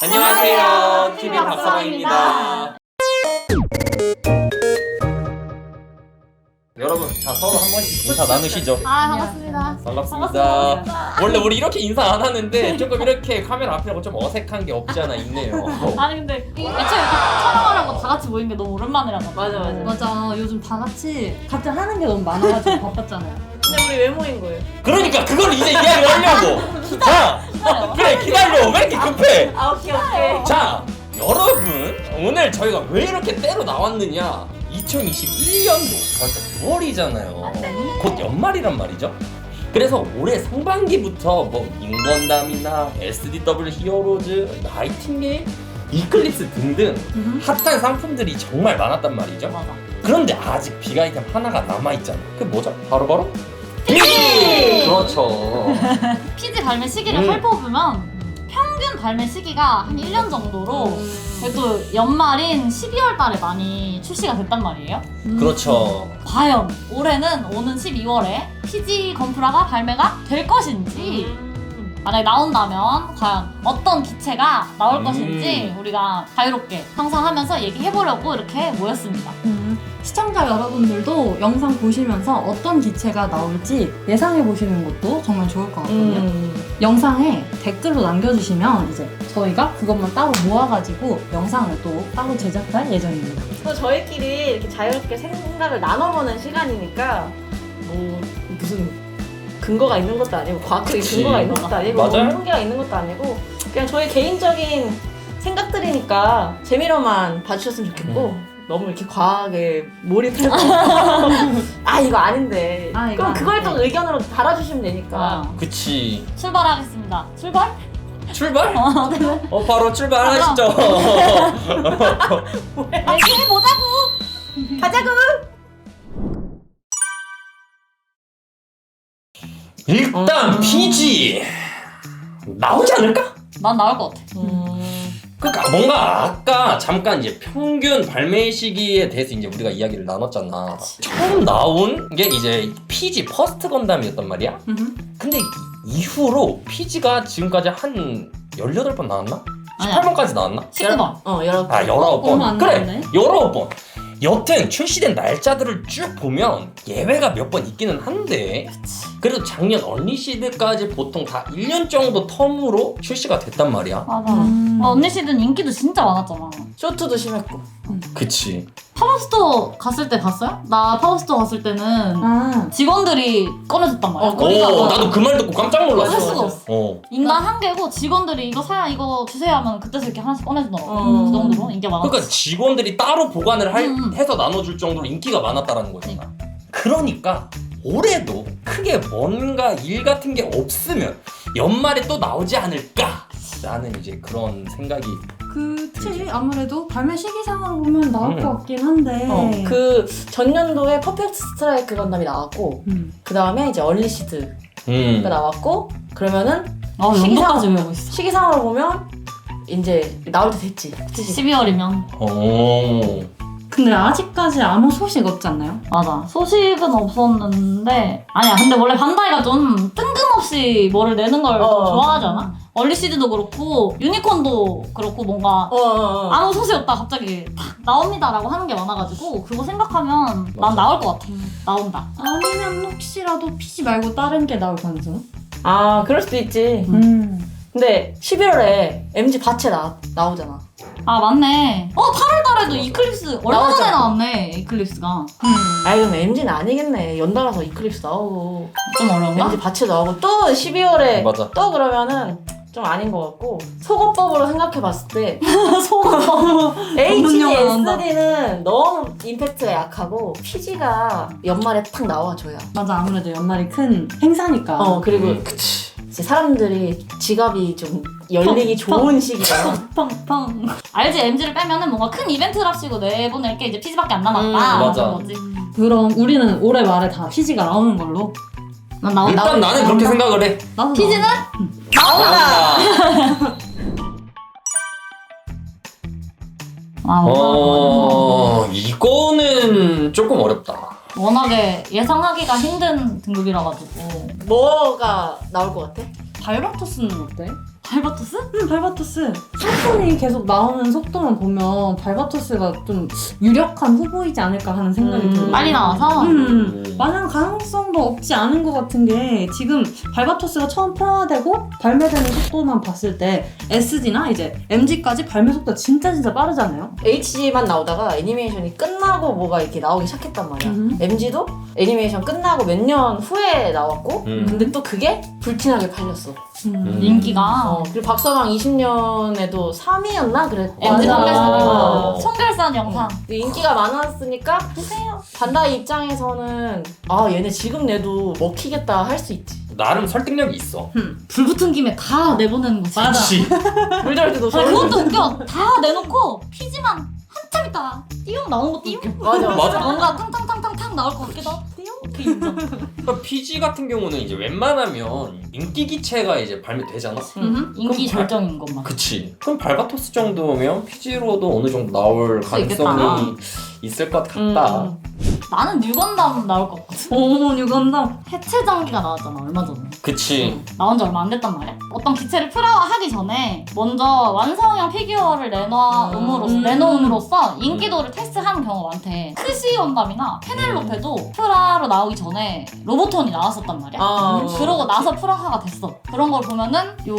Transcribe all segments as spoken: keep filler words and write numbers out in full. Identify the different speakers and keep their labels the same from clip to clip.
Speaker 1: 안녕하세요. 티비 박서방입니다. 여러분, 자 서로 한 번씩 인사 나누시죠.
Speaker 2: 아 반갑습니다.
Speaker 1: 반갑습니다.
Speaker 2: 반갑습니다.
Speaker 1: 원래 우리 이렇게 인사 안 하는데 조금 이렇게 카메라 앞이라고 좀 어색한 게 없지 않아 있네요.
Speaker 2: 아니 근데 애초에 이렇게 촬영하라고 다 같이 모인 게 너무 오랜만이라서.
Speaker 3: 맞아 맞아.
Speaker 4: 맞아. 요즘 다 같이 각자 하는 게 너무 많아가지고 바빴잖아요.
Speaker 3: 근데 우리 왜 모인 거예요?
Speaker 1: 그러니까 그걸 이제 이야기를 하려고. 자, 그래 기다려. 왜 이렇게 급해?
Speaker 3: 아 오케이 오케이.
Speaker 1: 자, 여러분 오늘 저희가 왜 이렇게 때로 나왔느냐? 이천이십일 년도 벌써 구월이잖아요. 곧 연말이란 말이죠. 그래서 올해 상반기부터 뭐 인건담이나 에스디더블유 히어로즈, 나이팅게일, 이클립스 등등 핫한 상품들이 정말 많았단 말이죠.
Speaker 2: 맞아.
Speaker 1: 그런데 아직 빅 아이템 하나가 남아있잖아. 그게 뭐죠? 바로바로? 피지! 그렇죠.
Speaker 2: 피지 발매 시기를
Speaker 1: 음.
Speaker 2: 살펴보면 평균 발매 시기가 한 일 년 정도로 그래도 연말인 십이월 달에 많이 출시가 됐단 말이에요.
Speaker 1: 그렇죠.
Speaker 2: 과연 올해는 오는 십이월에 피지 건프라가 발매가 될 것인지 만약에 나온다면 과연 어떤 기체가 나올
Speaker 1: 음.
Speaker 2: 것인지 우리가 자유롭게 상상하면서 얘기해보려고 이렇게 모였습니다.
Speaker 4: 음, 시청자 여러분들도 영상 보시면서 어떤 기체가 나올지 예상해 보시는 것도 정말 좋을 것 같거든요.
Speaker 3: 음.
Speaker 4: 영상에 댓글로 남겨주시면 이제 저희가 그것만 따로 모아가지고 영상을 또 따로 제작할 예정입니다.
Speaker 3: 또 저희끼리 이렇게 자유롭게 생각을 나눠보는 시간이니까 뭐 무슨 근거가 있는 것도 아니고 과학적인
Speaker 1: 그치.
Speaker 3: 근거가 있는 것도 아니고 뭐
Speaker 1: 맞아요.
Speaker 3: 통계가 있는 것도 아니고 그냥 저희 개인적인 생각들이니까 재미로만 봐주셨으면 좋겠고
Speaker 1: 음.
Speaker 3: 너무 이렇게 과학에 몰입해서 아 이거 아닌데
Speaker 4: 아, 이거
Speaker 3: 그럼 그걸 또
Speaker 4: 아닌데.
Speaker 3: 의견으로 달아주시면 되니까
Speaker 2: 아,
Speaker 1: 그치.
Speaker 2: 출발하겠습니다. 출발?
Speaker 1: 출발?
Speaker 2: 어, 네.
Speaker 1: 어 바로 출발하시죠.
Speaker 2: 얘기해보자고!
Speaker 3: 가자고!
Speaker 1: 일단
Speaker 3: 음.
Speaker 1: 피지 나오지 않을까?
Speaker 2: 난 나올 것 같아.
Speaker 3: 음.
Speaker 1: 그러니까 뭔가 아까 잠깐 이제 평균 발매 시기에 대해서 이제 우리가 이야기를 나눴잖아. 처음 나온 게 이제 피지 퍼스트 건담이었단 말이야. 근데 이후로 피지가 지금까지 한 열여덟 번 나왔나?
Speaker 2: 아니야.
Speaker 1: 십팔 번까지 나왔나?
Speaker 2: 십구 번.
Speaker 3: 어 여러
Speaker 1: 아 열아홉
Speaker 4: 얼마
Speaker 1: 번.
Speaker 4: 안
Speaker 1: 그래
Speaker 4: 나왔네.
Speaker 1: 열아홉 번. 여튼 출시된 날짜들을 쭉 보면 예외가 몇 번 있기는 한데 그래도 작년 언리시드까지 보통 다 일 년 정도 텀으로 출시가 됐단 말이야.
Speaker 2: 맞아.
Speaker 4: 음.
Speaker 2: 어, 언니 시즌 인기도 진짜 많았잖아.
Speaker 3: 쇼트도 심했고
Speaker 1: 그치.
Speaker 2: 파워스토어 갔을 때 봤어요? 나 파워스토어 갔을 때는
Speaker 4: 아,
Speaker 2: 직원들이 꺼내줬단 말이야.
Speaker 3: 어,
Speaker 1: 오
Speaker 3: 거기가
Speaker 1: 나도 그 말 듣고 깜짝 놀랐어.
Speaker 2: 할 수가 없어.
Speaker 1: 어.
Speaker 2: 인간 한 개고 직원들이 이거 사야 이거 주세요 하면 그때서 이렇게 하나씩 꺼내주더라고.
Speaker 3: 어.
Speaker 2: 그 정도로 인기가 많았어.
Speaker 1: 그러니까 직원들이 따로 보관을 할,
Speaker 2: 음.
Speaker 1: 해서 나눠줄 정도로 인기가 많았다라는 거잖아. 그러니까 올해도 크게 뭔가 일 같은 게 없으면 연말에 또 나오지 않을까? 라는 이제 그런 생각이.
Speaker 4: 그치. 아무래도 발매 시기상으로 보면 나올
Speaker 1: 음.
Speaker 4: 것 같긴 한데.
Speaker 3: 어, 그 전년도에 퍼펙트 스트라이크 건담이 나왔고
Speaker 4: 음.
Speaker 3: 그 다음에 이제 얼리시드가
Speaker 1: 음.
Speaker 3: 나왔고 그러면은
Speaker 2: 아, 연도까지 외우고 있어.
Speaker 3: 시기상으로 보면 이제 나올 때 됐지. 그치?
Speaker 2: 십이월이면.
Speaker 1: 오.
Speaker 4: 근데 아직까지 아무 소식 없지 않나요?
Speaker 2: 맞아. 소식은 없었는데. 아니야. 근데 원래 반다이가 좀 뜬금없이 뭐를 내는 걸 좀
Speaker 3: 어.
Speaker 2: 좋아하지 않아? 얼리시드도 그렇고, 유니콘도 그렇고, 뭔가
Speaker 3: 어, 어, 어.
Speaker 2: 아무 소식 없다 갑자기 탁 나옵니다라고 하는 게 많아가지고, 그거 생각하면 난 나올 것 같아. 나온다.
Speaker 4: 아니면 혹시라도 피지 말고 다른 게 나올 가능성?
Speaker 3: 아 그럴 수도 있지.
Speaker 4: 음.
Speaker 3: 근데 십일월에 엠지 바체 나, 나오잖아.
Speaker 2: 아 맞네. 어 팔월 달에도 이클립스 얼마 전에
Speaker 3: 나왔잖아.
Speaker 2: 나왔네. 이클립스가
Speaker 3: 아이 그럼 엠지는 아니겠네. 연달아서 이클립스 나오고
Speaker 2: 좀 어려운가?
Speaker 3: 엠지 바체 나오고 또 십이월에
Speaker 1: 맞아.
Speaker 3: 또 그러면은 좀 아닌 것 같고 소거법으로 생각해봤을 때
Speaker 2: 소금.
Speaker 3: 에이치디,
Speaker 4: 전문 용어 나온다.
Speaker 3: 에스디는 너무 임팩트가 약하고 피지가 연말에 탁 나와줘야.
Speaker 4: 맞아. 아무래도 연말이 큰 행사니까.
Speaker 3: 어 그리고
Speaker 1: 음, 그치.
Speaker 3: 이제 사람들이 지갑이 좀 열리기 좋은 시기잖아.
Speaker 2: 팡팡. 알지? 엠지를 빼면은 뭔가 큰 이벤트랍시고 내보낼 게 이제 피지밖에 안 남았다.
Speaker 3: 음,
Speaker 1: 맞아.
Speaker 2: 그런 거지.
Speaker 4: 그럼 우리는 올해 말에 다 피지가 나오는 걸로.
Speaker 2: 난 나온
Speaker 1: 일단
Speaker 2: 나온
Speaker 1: 나는 그렇게 생각을 해.
Speaker 4: 나도
Speaker 2: 피지는
Speaker 3: 나온다.
Speaker 2: 아,
Speaker 1: 어, 이거는 조금 어렵다.
Speaker 2: 워낙에 예상하기가 힘든 등급이라 가지고
Speaker 3: 뭐가 나올 것 같아?
Speaker 4: 발바토스는 어때?
Speaker 2: 발바토스?
Speaker 4: 음, 발바토스. 상품이 계속 나오는 속도만 보면 발바토스가 좀 유력한 후보이지 않을까 하는 생각이
Speaker 3: 음.
Speaker 4: 들어요.
Speaker 2: 빨리 나와서?
Speaker 4: 음, 많은 가능성도 없지 않은 것 같은 게 지금 발바토스가 처음 프라화되고 발매되는 속도만 봤을 때 에스지나 이제 엠지까지 발매 속도가 진짜 진짜 빠르잖아요.
Speaker 3: 에이치지만 나오다가 애니메이션이 끝나고 뭐가 이렇게 나오기 시작했단 말이야.
Speaker 4: 음.
Speaker 3: 엠지도 애니메이션 끝나고 몇 년 후에 나왔고
Speaker 1: 음.
Speaker 3: 근데 또 그게 불티나게 팔렸어.
Speaker 4: 음.
Speaker 2: 인기가.
Speaker 3: 어, 그리고 박서방 이십 년에도 삼 위였나 그랬.
Speaker 2: 엠지
Speaker 4: 맞아.
Speaker 2: 청결산. 청결산 영상.
Speaker 3: 근데 인기가 많았으니까
Speaker 2: 보세요.
Speaker 3: 반다이 입장에서는 아 얘네 지금 내도 먹히겠다 할 수 있지.
Speaker 1: 나름 설득력이 있어.
Speaker 4: 음.
Speaker 2: 불 붙은 김에 다 내보내는 거지.
Speaker 4: 맞아.
Speaker 1: 그치.
Speaker 3: 물 저럴 때도
Speaker 2: 아니,
Speaker 3: 저럴
Speaker 2: 그것도 웃겨. 다 내놓고 피지만 한참 있다가 띠용 나오는 거 띠용?
Speaker 3: 맞아
Speaker 1: 맞아.
Speaker 2: 뭔가 탕탕탕탕탕 나올 것 같기도 하고 띠용? 그 인정.
Speaker 1: 그러니까 피지 같은 경우는 이제 웬만하면 인기 기체가 이제 발매되잖아.
Speaker 2: 음, 인기
Speaker 1: 그럼
Speaker 2: 절정인 것만.
Speaker 1: 그치. 그럼 발바토스 정도면 피지로도 어느 정도 나올
Speaker 2: 수
Speaker 1: 가능성이
Speaker 2: 있겠다.
Speaker 1: 있을 것 같다.
Speaker 3: 음.
Speaker 2: 나는 뉴건담 나올 것 같거든.
Speaker 4: 오, 뉴건담.
Speaker 2: 해체 장기가 나왔잖아 얼마 전에.
Speaker 1: 그치.
Speaker 2: 나온 지 얼마 안 됐단 말이야. 어떤 기체를 프라화하기 전에 먼저 완성형 피규어를 내놓음으로써
Speaker 4: 음.
Speaker 2: 내놓음으로써 인기도를 테스트하는 경우가 많대. 크시 건담이나 페넬로페도 프라로 나오기 전에 로보톤이 나왔었단 말이야.
Speaker 3: 아.
Speaker 2: 음, 그러고 나서 프라화가 됐어. 그런 걸 보면은 요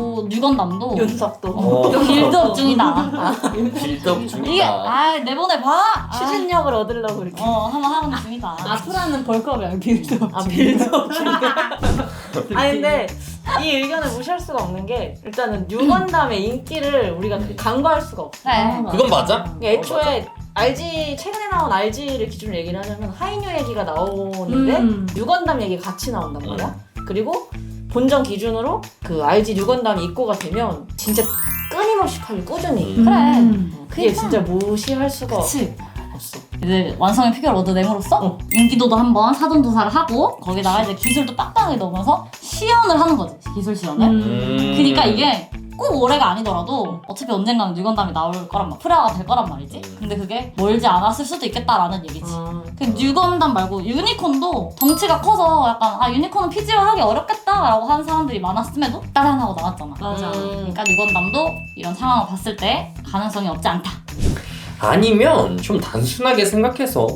Speaker 2: 뉴건담도
Speaker 3: 윤석도.
Speaker 1: 어.
Speaker 2: 빌드업 중이다.
Speaker 1: 빌드업
Speaker 2: 이게
Speaker 1: 중이다.
Speaker 2: 아 내보내봐. 아,
Speaker 3: 추진력을 얻으려고 이렇게.
Speaker 2: 어 한번 하는 중이다.
Speaker 4: 아프라는 벌크업이야, 빌드업.
Speaker 3: 아 빌드업 중이야. 아니 근데 이 의견을 무시할 수가 없는 게 일단은 뉴건담의 인기를 우리가 그렇게 간과할 수가 없어.
Speaker 2: 그래.
Speaker 1: 그건 맞아.
Speaker 3: 그러니까 애초에 알지 최근에 나온 알지를 기준으로 얘기를 하자면 하이뉴 얘기가 나오는데
Speaker 4: 음.
Speaker 3: 뉴건담 얘기 같이 나온단 말이야. 그리고 본전 기준으로 그 알지 뉴건담이 입고가 되면 진짜 끊임없이 팔려 꾸준히.
Speaker 1: 음.
Speaker 2: 그래.
Speaker 4: 음.
Speaker 3: 그게
Speaker 2: 그러니까.
Speaker 3: 진짜 무시할 수가
Speaker 2: 그치.
Speaker 3: 없어.
Speaker 2: 이제 완성의 피규어를 얻어냄으로써
Speaker 3: 어.
Speaker 2: 인기도도 한번 사전조사를 하고 거기다가 이제 기술도 빵빵하게 넣으면서 시연을 하는 거지. 기술 시연을.
Speaker 1: 음.
Speaker 2: 그러니까 이게 꼭 올해가 아니더라도 어차피 언젠가는 뉴건담이 나올 거란 말, 프라가 될 거란 말이지.
Speaker 1: 음.
Speaker 2: 근데 그게 멀지 않았을 수도 있겠다라는 얘기지.
Speaker 3: 어.
Speaker 2: 그 뉴건담 말고 유니콘도 덩치가 커서 약간 아 유니콘은 피지컬하기 어렵겠다라고 하는 사람들이 많았음에도 따라하고 나왔잖아.
Speaker 4: 맞아.
Speaker 2: 그러니까 뉴건담도 이런 상황을 봤을 때 가능성이 없지 않다.
Speaker 1: 아니면 좀 단순하게 생각해서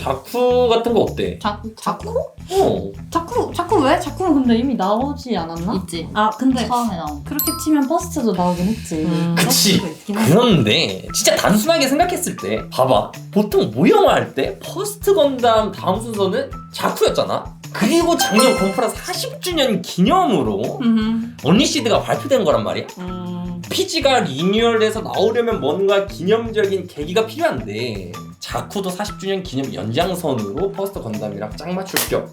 Speaker 1: 자쿠 같은 거 어때?
Speaker 4: 자쿠? 자쿠?
Speaker 1: 어.
Speaker 4: 자쿠? 자쿠 왜? 자쿠는 근데 이미 나오지 않았나?
Speaker 2: 있지.
Speaker 4: 아, 근데
Speaker 2: 처음에 나온.
Speaker 4: 그렇게 치면 퍼스트도 나오긴 했지.
Speaker 3: 음.
Speaker 1: 그치.
Speaker 4: 퍼스트가 있긴 해.
Speaker 1: 그런데 진짜 단순하게 생각했을 때 봐봐. 보통 모형화 할 때 퍼스트 건담 다음 순서는 자쿠였잖아. 그리고 작년 건프라 사십 주년 기념으로
Speaker 4: 음.
Speaker 1: 언리시드가 발표된 거란 말이야.
Speaker 3: 음.
Speaker 1: 피지가 리뉴얼돼서 나오려면 뭔가 기념적인 계기가 필요한데 자쿠도 사십 주년 기념 연장선으로 퍼스트 건담이랑 짝 맞출 겸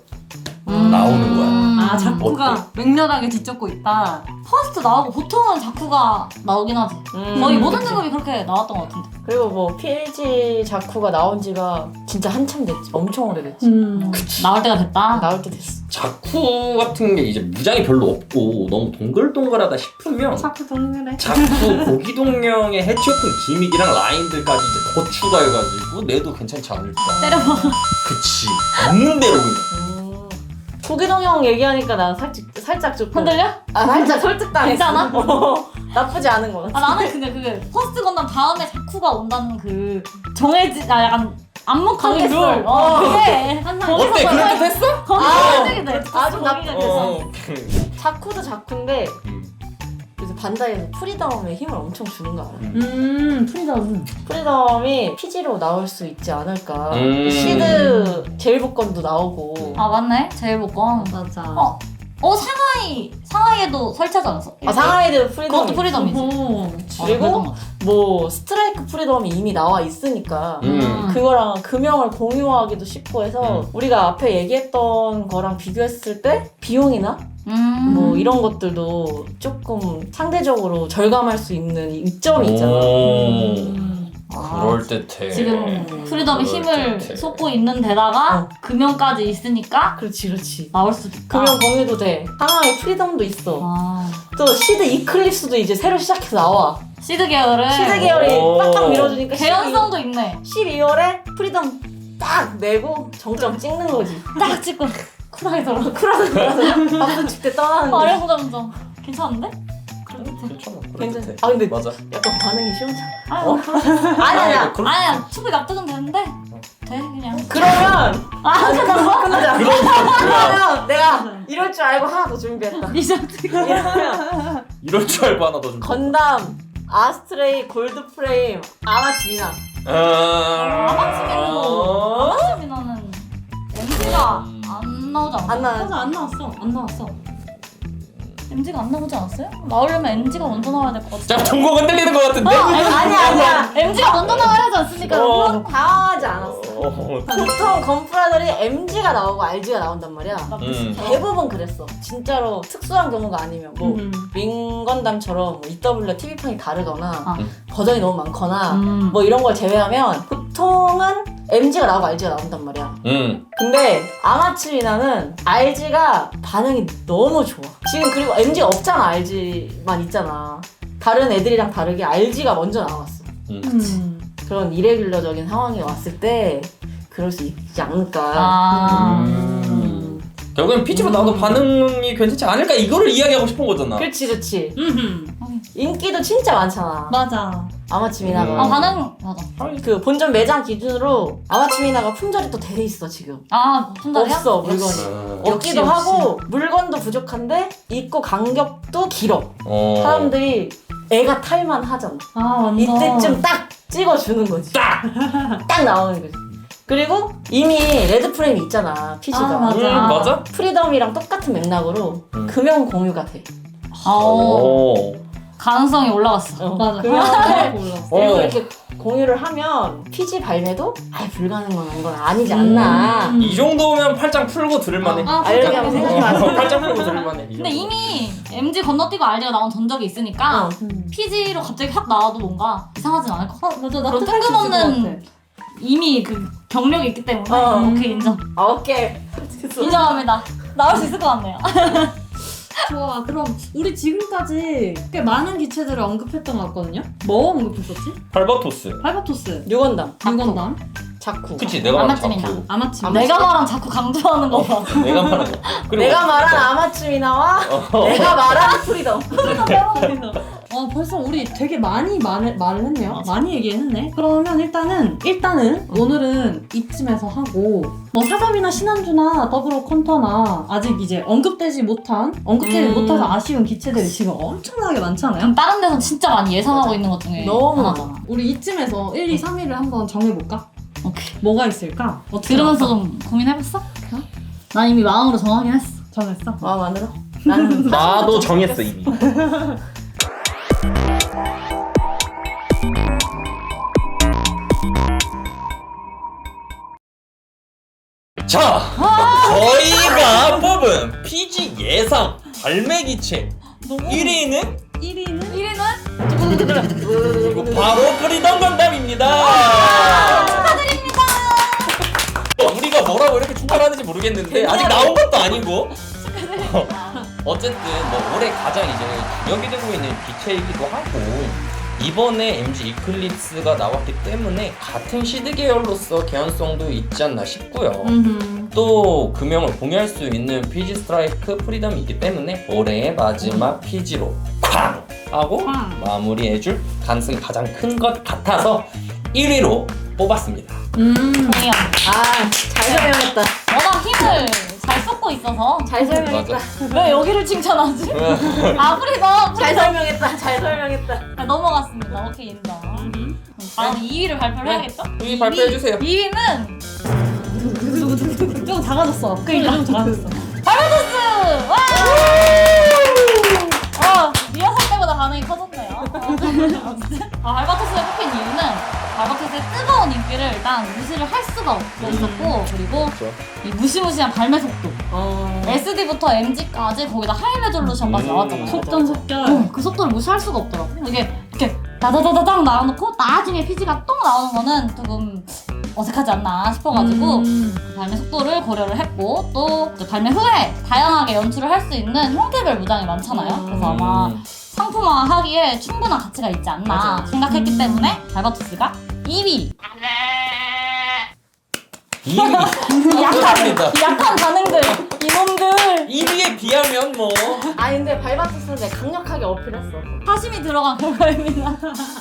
Speaker 2: 음.
Speaker 1: 나오는 거야.
Speaker 4: 아, 자쿠가
Speaker 1: 어때?
Speaker 4: 맹렬하게 뒤쫓고 있다.
Speaker 2: 퍼스트 나오고 보통은 자쿠가 나오긴 하지.
Speaker 3: 음.
Speaker 2: 거의 모든 등급이 그렇게 나왔던 것 같은데.
Speaker 3: 그리고 뭐 피엘지 자쿠가 나온 지가 진짜 한참 됐지. 엄청 오래됐지.
Speaker 4: 음.
Speaker 2: 나올 때가 됐다.
Speaker 3: 나올 때 됐어.
Speaker 1: 자쿠 같은 게 이제 무장이 별로 없고 너무 동글동글하다 싶으면
Speaker 4: 자쿠 동그래.
Speaker 1: 자쿠 고기동령의 해치오픈 기믹이랑 라인들까지 이제 더 추가해가지고 내도 괜찮지 않을까.
Speaker 2: 때려봐.
Speaker 1: 그치. 없는 대로 그냥.
Speaker 3: 음. 고기동형 얘기하니까 나 살짝 살짝 조금
Speaker 2: 흔들려?
Speaker 3: 아 살짝 설득당했어.
Speaker 2: 괜찮아?
Speaker 3: 어, 나쁘지 않은 거 같아.
Speaker 2: 아 나는 근데 그게 퍼스트 건담 다음에 자쿠가 온다는 그 정해진 아 약간 암묵한 룰.
Speaker 3: 정했어.
Speaker 2: 어,
Speaker 3: 어.
Speaker 2: 그게 항상
Speaker 1: 어때? 그럴 듯 했어?
Speaker 2: 거기
Speaker 3: 아,
Speaker 2: 설득이 돼.
Speaker 3: 아주 나-
Speaker 2: 거기가 돼서.
Speaker 1: 어.
Speaker 3: 자쿠도 자쿠인데
Speaker 1: 음.
Speaker 3: 요새 반다이에서 프리덤에 힘을 엄청 주는 거 알아?
Speaker 4: 음, 프리덤.
Speaker 3: 프리덤이 피지로 나올 수 있지 않을까.
Speaker 1: 음.
Speaker 3: 시드 제일복권도 나오고.
Speaker 2: 아 맞네. 제일 복권.
Speaker 4: 맞아.
Speaker 2: 어. 어 상하이 상하이에도 설치하지 않았어?
Speaker 3: 아 상하이드 프리덤.
Speaker 2: 그것도 프리덤이지.
Speaker 4: 오.
Speaker 3: 그리고 뭐 스트라이크 프리덤이 이미 나와 있으니까
Speaker 1: 음.
Speaker 3: 그거랑 금형을 공유하기도 쉽고 해서
Speaker 1: 음.
Speaker 3: 우리가 앞에 얘기했던 거랑 비교했을 때 비용이나
Speaker 2: 음.
Speaker 3: 뭐 이런 것들도 조금 상대적으로 절감할 수 있는 이점이 있잖아.
Speaker 1: 오.
Speaker 4: 음.
Speaker 2: 아,
Speaker 1: 그럴 듯해.
Speaker 2: 지금 프리덤이
Speaker 1: 그럴
Speaker 2: 힘을
Speaker 1: 듯해.
Speaker 2: 쏟고 있는 데다가
Speaker 3: 어.
Speaker 2: 금연까지 있으니까
Speaker 3: 그렇지 그렇지.
Speaker 2: 나올 수도 있다.
Speaker 3: 금형 공유도 돼. 상하이 프리덤도 있어.
Speaker 2: 아.
Speaker 3: 또 시드 이클립스도 이제 새로 시작해서 나와.
Speaker 2: 시드 계열을
Speaker 3: 시드 계열이
Speaker 1: 오.
Speaker 3: 빡빡 밀어주니까
Speaker 2: 개연성도 있네.
Speaker 3: 십이월에 프리덤 딱 내고 정점 찍는 거지.
Speaker 2: 딱 찍고 쿨하게 돌아.
Speaker 3: 쿨하게 돌아서 박수 칠때 떠나는 거.
Speaker 2: 아래 보자면서 괜찮은데?
Speaker 3: 그런
Speaker 1: 괜찮아.
Speaker 3: 괜찮아.
Speaker 1: 그래.
Speaker 3: 아 근데
Speaker 1: 맞아.
Speaker 3: 약간 반응이 시원찮아.
Speaker 2: 아유,
Speaker 3: 아니 아니야.
Speaker 1: 그럴
Speaker 2: 아니야 충분히 납득은 되는데 돼 그냥.
Speaker 3: 그러면
Speaker 2: 아 끝났어?
Speaker 3: 끝나자.
Speaker 1: 그럼
Speaker 3: 그러면 내가 이럴 줄 알고 하나 더 준비했다.
Speaker 2: 리조트.
Speaker 3: 이러면
Speaker 1: 이럴 줄 알고 하나 더 좀.
Speaker 3: 건담, 아스트레이, 골드프레임, 아마치미나.
Speaker 2: 아마치미는
Speaker 1: 어.
Speaker 2: 아마치미나는 엠지가 안 나오지 않았어?
Speaker 3: 안 나.
Speaker 4: 맞아 안 나왔어 안 나왔어.
Speaker 2: 엠지가 안 나오지 않았어요? 나오려면 엠지가 먼저 나와야 될 것 같아.
Speaker 1: 자, 동공 흔들리는 것 같은데?
Speaker 3: 아니야 아니야.
Speaker 2: 엠지가 먼저 나와야 하지 않습니까?
Speaker 1: 어.
Speaker 2: 여러분?
Speaker 3: 당황하지 않았어.
Speaker 1: 어.
Speaker 3: 보통 건프라들이 엠지가 나오고 알지가 나온단 말이야.
Speaker 1: 음.
Speaker 3: 대부분 그랬어. 진짜로 특수한 경우가 아니면 뭐
Speaker 4: 음.
Speaker 3: 윙건담처럼 뭐 이더블유 티비판이 다르거나
Speaker 2: 아.
Speaker 3: 버전이 너무 많거나
Speaker 2: 음.
Speaker 3: 뭐 이런 걸 제외하면 보통은 엠지가 나오고 알지가 나온단 말이야.
Speaker 1: 음.
Speaker 3: 근데 아마치미나는 알지가 반응이 너무 좋아. 지금 그리고 엠지가 없잖아. 알지만 있잖아. 다른 애들이랑 다르게 알지가 먼저 나왔어.
Speaker 1: 음.
Speaker 4: 음.
Speaker 3: 그런 이레귤러적인 상황이 왔을 때 그럴 수 있지 않을까.
Speaker 2: 아.
Speaker 1: 음. 결국엔 피지로 나와도 반응이 괜찮지 않을까? 이거를 이야기하고 싶은 거잖아.
Speaker 3: 그렇지 그렇지.
Speaker 4: 음.
Speaker 3: 인기도 진짜 많잖아.
Speaker 4: 맞아.
Speaker 3: 아마치미나가.
Speaker 1: 음.
Speaker 2: 아 반응 맞아.
Speaker 3: 그 본점 매장 기준으로 아마치미나가 품절이 또 돼 있어 지금.
Speaker 2: 아 품절이야?
Speaker 3: 없어 물건이.
Speaker 1: 음.
Speaker 3: 없기도
Speaker 4: 역시,
Speaker 3: 하고 물건도 부족한데 입고 간격도 길어.
Speaker 1: 어.
Speaker 3: 사람들이 애가 탈만 하잖아.
Speaker 4: 아 완전.
Speaker 3: 이때쯤 딱 찍어주는 거지.
Speaker 1: 딱!
Speaker 3: 딱 나오는 거지. 그리고 이미 레드 프레임이 있잖아 피지가.
Speaker 4: 아, 맞아.
Speaker 1: 음, 맞아?
Speaker 3: 프리덤이랑 똑같은 맥락으로
Speaker 1: 음.
Speaker 3: 금연 공유가 돼.
Speaker 2: 아오
Speaker 1: 오.
Speaker 2: 가능성이 올라갔어.
Speaker 3: 어,
Speaker 4: 맞아.
Speaker 3: 금연을
Speaker 4: 몰랐어.
Speaker 3: 그리고
Speaker 1: 어.
Speaker 3: 이렇게 공유를 하면 피지 발매도 아예 불가능한 건 아니지 않나.
Speaker 4: 음.
Speaker 1: 이 정도면 팔짱 풀고 들을만해.
Speaker 4: 아,
Speaker 3: 아, 이렇게 하면 생각이 많아.
Speaker 1: 어, 팔짱 풀고 들을만해. 이
Speaker 2: 근데
Speaker 1: 정도.
Speaker 2: 이미 엠지 건너뛰고 알지가 나온 전적이 있으니까
Speaker 3: 어.
Speaker 4: 음.
Speaker 2: 피지로 갑자기 확 나와도 뭔가 이상하진 않을 것 같아.
Speaker 4: 어, 맞아.
Speaker 2: 그런
Speaker 4: 납득할 수 있을 것
Speaker 2: 뜬금없는
Speaker 4: 같아.
Speaker 2: 이미 그 경력이 있기 때문에
Speaker 3: 어.
Speaker 2: 오케이 인정.
Speaker 3: 아, 오케이.
Speaker 2: 인정합니다. 나올 수 있을 것 같네요.
Speaker 4: 좋아. 그럼 우리 지금까지 꽤 많은 기체들을 언급했던 것 같거든요. 뭐 언급했었지?
Speaker 1: 발바토스.
Speaker 4: 발바토스,
Speaker 3: 유건담,
Speaker 4: 유건담,
Speaker 3: 자쿠.
Speaker 1: 그치, 내가 말한
Speaker 2: 아마치미나.
Speaker 1: 자쿠.
Speaker 4: 아마치.
Speaker 2: 아, 내가 말한 자꾸 강조하는 거 봐.
Speaker 1: 내가 말한 거. 그리고
Speaker 3: 내가 말한 아마츠미나와
Speaker 1: 어.
Speaker 3: 내가 말한 프리덤.
Speaker 4: 어 벌써 우리 되게 많이 말, 말을 했네요. 많이 얘기했네. 그러면 일단은 일단은 오늘은 이쯤에서 하고 뭐 사점이나 신한주나 더블로 컨터나 아직 이제 언급되지 못한 언급되지
Speaker 3: 음.
Speaker 4: 못해서 아쉬운 기체들이 지금 엄청나게 많잖아요.
Speaker 2: 그럼 다른 데서 진짜 많이 예상하고
Speaker 3: 맞아.
Speaker 2: 있는 것 중에
Speaker 3: 너무
Speaker 2: 하나잖아.
Speaker 4: 우리 이쯤에서 일, 이, 삼 위를 한번 정해볼까?
Speaker 2: 오케이.
Speaker 4: 뭐가 있을까? 어떻게
Speaker 2: 들으면서
Speaker 4: 할까?
Speaker 2: 좀 고민해봤어? 난 이미 마음으로 정하긴 했어.
Speaker 4: 정했어?
Speaker 3: 마음 안으로? 나는
Speaker 1: 나도 정했어 이미. 자, 저희가 뽑은 피지 예상 발매 기체 일 위는
Speaker 4: 일 위는?
Speaker 2: 일 위는
Speaker 1: 바로 프리덤 건담입니다.
Speaker 2: 축하드립니다.
Speaker 1: 우리가 뭐라고 이렇게 충돌하는지 모르겠는데 아직 나온 것도 아니고. 어쨌든 뭐 올해 가장 이제 주력이 되고 있는 기체이기도 하고 이번에 엠지 이클립스가 나왔기 때문에 같은 시드 계열로서 개연성도 있지 않나 싶고요.
Speaker 4: 음흠.
Speaker 1: 또 금형을 공유할 수 있는 피지 스트라이크 프리덤이 있기 때문에 올해의 마지막 피지로 쾅! 하고
Speaker 4: 쾅.
Speaker 1: 마무리해줄 가능성이 가장 큰 것 같아서 일 위로 뽑았습니다.
Speaker 4: 음.
Speaker 2: 동의합니다.
Speaker 3: 아, 잘 설명했다.
Speaker 2: 워낙 힘을 잘 쏟고 있어서
Speaker 3: 잘 설명했다.
Speaker 2: 왜 여기를 칭찬하지? 아프리덤
Speaker 3: 잘 설명했다. 잘 설명했다.
Speaker 2: 아, 넘어갔습니다. 오케이 인정. 다음 이 위를 발표를 해야겠죠?
Speaker 1: 이 위 발표해주세요.
Speaker 2: 이 위는
Speaker 4: 좀 작아졌어. 그러니까 좀 작아졌어.
Speaker 2: 발바토스! 와! 어, 리허설 때보다 반응이 커졌네요. 어쨌든. 아, 발바토스가 뽑힌 이유는 발바토스의 뜨거운 인기를 일단 무시를 할 수가 없었고 그리고
Speaker 1: 그렇죠.
Speaker 2: 이 무시무시한 발매 속도
Speaker 3: 어.
Speaker 2: 에스디부터 엠지까지 거기다 하이 레졸루션까지
Speaker 1: 음.
Speaker 2: 나왔잖아요.
Speaker 4: 속전속결.
Speaker 2: 어, 그 속도를 무시할 수가 없더라고. 이게 이렇게 다다다다닥 나와놓고 나중에 피지가 똥 나오는 거는 조금 어색하지 않나 싶어가지고
Speaker 4: 음.
Speaker 2: 그 발매 속도를 고려를 했고 또 이제 발매 후에 다양하게 연출을 할 수 있는 형태별 무장이 많잖아요.
Speaker 3: 음.
Speaker 2: 그래서 아마 상품화하기에 충분한 가치가 있지 않나
Speaker 3: 맞아.
Speaker 2: 생각했기
Speaker 4: 음.
Speaker 2: 때문에 발바토스가 이 위.
Speaker 1: 이 위
Speaker 2: 약한,
Speaker 1: 축하드립니다.
Speaker 2: 약한 반응들.
Speaker 3: 이놈들.
Speaker 1: 일 위에 비하면 뭐
Speaker 3: 아 근데 발바투스는 내가 강력하게 어필했어.
Speaker 2: 사심이 들어간 결과입니다.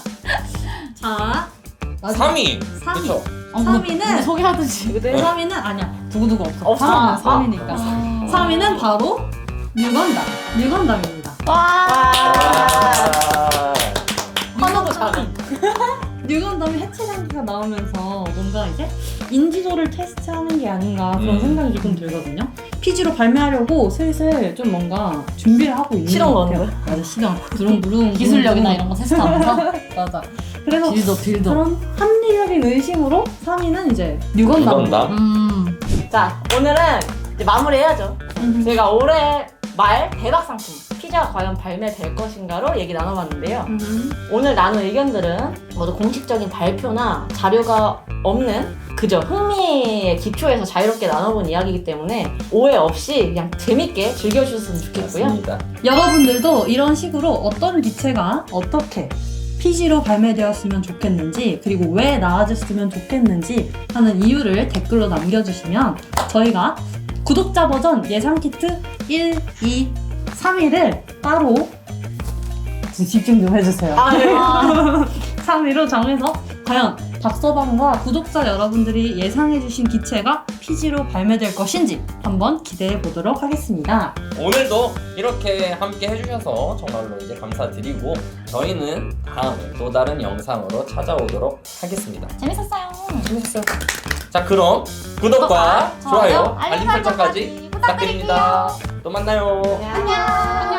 Speaker 4: 자 마지막.
Speaker 1: 삼 위.
Speaker 4: 삼 위.
Speaker 1: 그쵸?
Speaker 2: 어,
Speaker 4: 삼 위는
Speaker 2: 소개하듯이.
Speaker 3: 그대.
Speaker 4: 삼 위는 아니야 두고두고 없어.
Speaker 3: 없어.
Speaker 4: 삼 위는
Speaker 3: 아,
Speaker 4: 삼 위니까.
Speaker 2: 아.
Speaker 4: 삼 위는 바로 뉴건담. 뉴건담입니다.
Speaker 2: 와.
Speaker 1: 아.
Speaker 3: 환호도 작아.
Speaker 4: 뉴건담이 해체 장기가 나오면서 뭔가 이제 인지도를 테스트하는 게 아닌가 그런
Speaker 1: 음.
Speaker 4: 생각이 조금 들거든요. 피지로 발매하려고 슬슬 좀 뭔가 준비를 하고 있는
Speaker 3: 실험
Speaker 4: 것 같아요.
Speaker 3: 거는
Speaker 4: 맞아, 실험. 부릉부릉
Speaker 2: 기술력이나 이런 거 테스트하면서.
Speaker 4: 맞아. 그래서
Speaker 2: 빌더 빌더.
Speaker 4: 그런 합리적인 의심으로 삼 위는 이제 뉴건담.
Speaker 1: 뉴건담.
Speaker 2: 음.
Speaker 3: 자 오늘은 이제 마무리해야죠.
Speaker 4: 음.
Speaker 3: 저희가 올해 말 대박 상품 피자가 과연 발매될 것인가로 얘기 나눠봤는데요.
Speaker 4: 음.
Speaker 3: 오늘 나눈 의견들은 모두 공식적인 발표나 자료가 없는 그저 흥미의 기초에서 자유롭게 나눠본 이야기이기 때문에 오해 없이 그냥 재밌게 즐겨주셨으면 좋겠고요.
Speaker 1: 맞습니다.
Speaker 4: 여러분들도 이런 식으로 어떤 기체가 어떻게 피지로 발매되었으면 좋겠는지 그리고 왜 나와줬으면 좋겠는지 하는 이유를 댓글로 남겨주시면 저희가 구독자 버전 예상 키트 일, 이, 삼 위를 따로 집중 좀 해주세요.
Speaker 3: 아, 네.
Speaker 4: 삼 위로 정해서 과연 박서방과 구독자 여러분들이 예상해주신 기체가 피지로 발매될 것인지 한번 기대해 보도록 하겠습니다.
Speaker 1: 오늘도 이렇게 함께 해주셔서 정말로 이제 감사드리고 저희는 다음에 또 다른 영상으로 찾아오도록 하겠습니다.
Speaker 2: 재밌었어요.
Speaker 1: 재밌었어요. 자 그럼 구독과 좋아요, 알림 설정까지 부탁드립니다. 또 만나요.
Speaker 3: 안녕.
Speaker 2: 안녕.